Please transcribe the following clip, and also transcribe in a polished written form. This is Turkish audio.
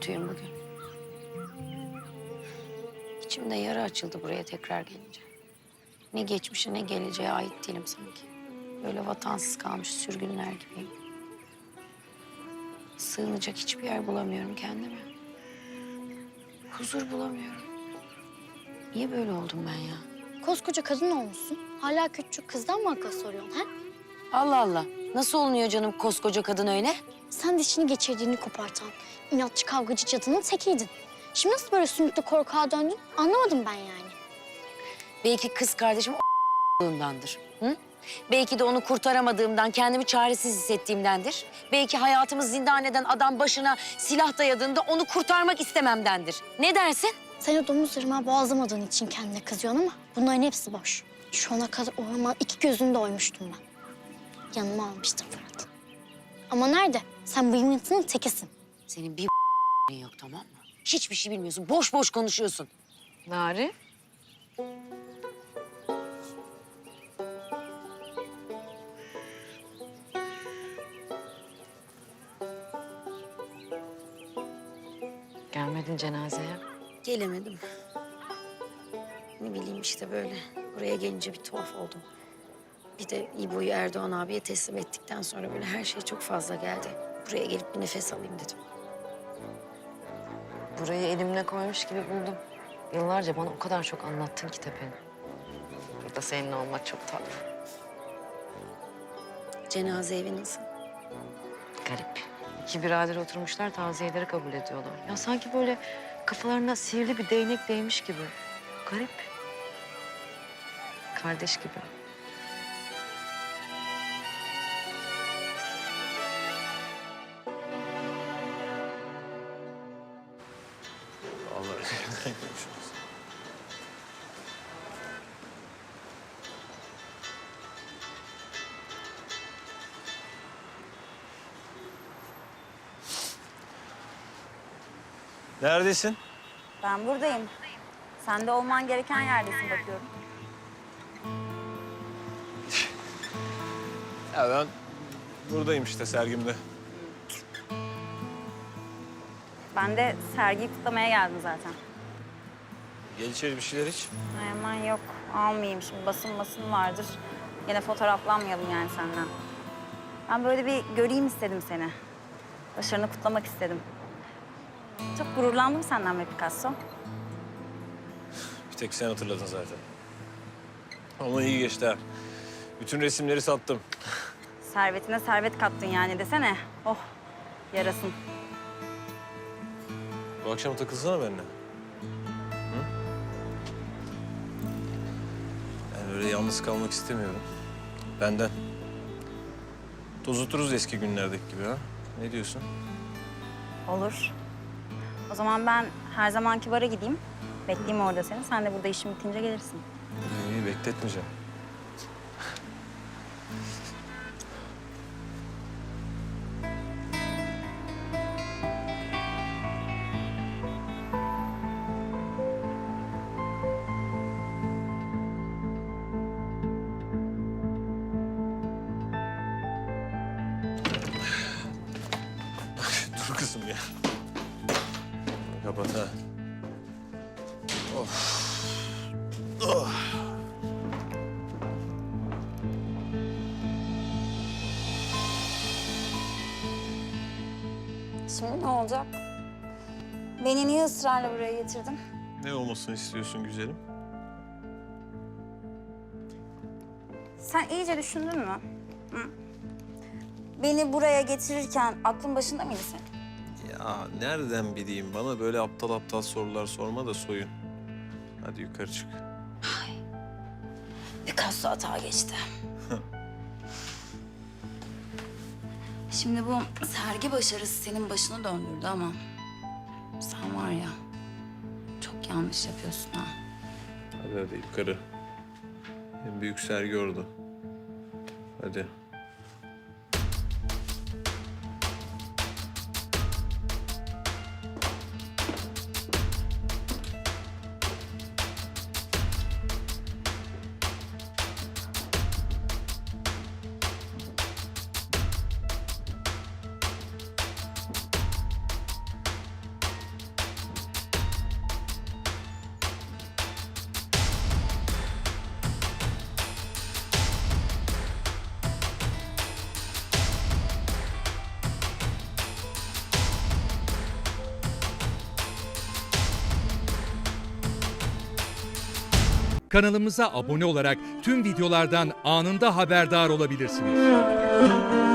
kötüyüm bugün. İçimde yara açıldı buraya tekrar gelince. Ne geçmişe ne geleceğe ait değilim sanki. Böyle vatansız kalmış sürgünler gibiyim. Sığınacak hiçbir yer bulamıyorum kendime. Huzur bulamıyorum. Niye böyle oldum ben ya? Koskoca kadın olmuşsun. Hala küçük kızdan mı akıl soruyorsun ha? Allah Allah. Nasıl olunuyor canım koskoca kadın öyle? Sen dişini geçirdiğini kopartan, inatçı kavgacı cadının tekiydin. Şimdi nasıl böyle sümüklü korkağa döndün anlamadım ben yani. Belki kız kardeşim o***lundandır. Hı? Belki de onu kurtaramadığımdan, kendimi çaresiz hissettiğimdendir. Belki hayatımı zindan eden adam başına silah dayadığında onu kurtarmak istememdendir. Ne dersin? Sen o domuz ırmağı boğazlamadığın için kendine kızıyorsun ama bunların hepsi boş. Şu ana kadar o ırmağın iki gözünü de oymuştum ben. Yanıma almıştım Fırat. Ama nerede? Sen bıyıntının tekisin. Senin bir yok tamam mı? Hiçbir şey bilmiyorsun. Boş boş konuşuyorsun. Nari? Gelmedin cenazeye. Gelemedim. Ne bileyim işte böyle. Buraya gelince bir tuhaf oldum. Bir de İbo'yu Erdoğan abiye teslim ettikten sonra böyle her şey çok fazla geldi. Buraya gelip bir nefes alayım dedim. Burayı elimle koymuş gibi buldum. Yıllarca bana o kadar çok anlattın ki Tepe'nin. Burada seninle olmak çok tatlı. Cenaze evi nasıl? Garip. İki birader oturmuşlar, taziyeleri kabul ediyorlar. Ya sanki böyle kafalarına sihirli bir değnek değmiş gibi. Garip. Kardeş gibi. Vallahi. Neredesin? Ben buradayım. Sen de olman gereken yerdesin bakıyorum. Ya ben buradayım işte sergimde. Ben de sergiyi kutlamaya geldim zaten. Gel içeri bir şeyler iç. Ay aman yok, almayayım şimdi. Basın vardır. Yine fotoğraflanmayalım yani senden. Ben böyle bir göreyim istedim seni. Başarını kutlamak istedim. Çok gururlandım senden be Picasso. Bir tek sen hatırladın zaten. Ama iyi geçti ha. Bütün resimleri sattım. Servetine servet kattın yani desene. Oh, yarasın. Bu akşam takılsana benimle. Hı? Ben öyle yalnız kalmak istemiyorum. Benden. Tozuturuz eski günlerdeki gibi ha. Ne diyorsun? Olur. O zaman ben her zamanki bara gideyim. Bekleyeyim orada seni. Sen de burada işin bitince gelirsin. İyi, bekletmeyeceğim. Dur kızım ya. Kapat ha. Of. Oh. Şimdi ne olacak? Beni niye ısrarla buraya getirdin? Ne olmasını istiyorsun güzelim? Sen iyice düşündün mü? Hı? Beni buraya getirirken aklın başında mıydı senin? Ya nereden bileyim? Bana böyle aptal aptal sorular sorma da soyun. Hadi yukarı çık. Picasso hata geçti. Şimdi bu sergi başarısı senin başını döndürdü ama... sen var ya, çok yanlış yapıyorsun ha. Hadi yukarı. En büyük sergi orada. Hadi. Kanalımıza abone olarak tüm videolardan anında haberdar olabilirsiniz.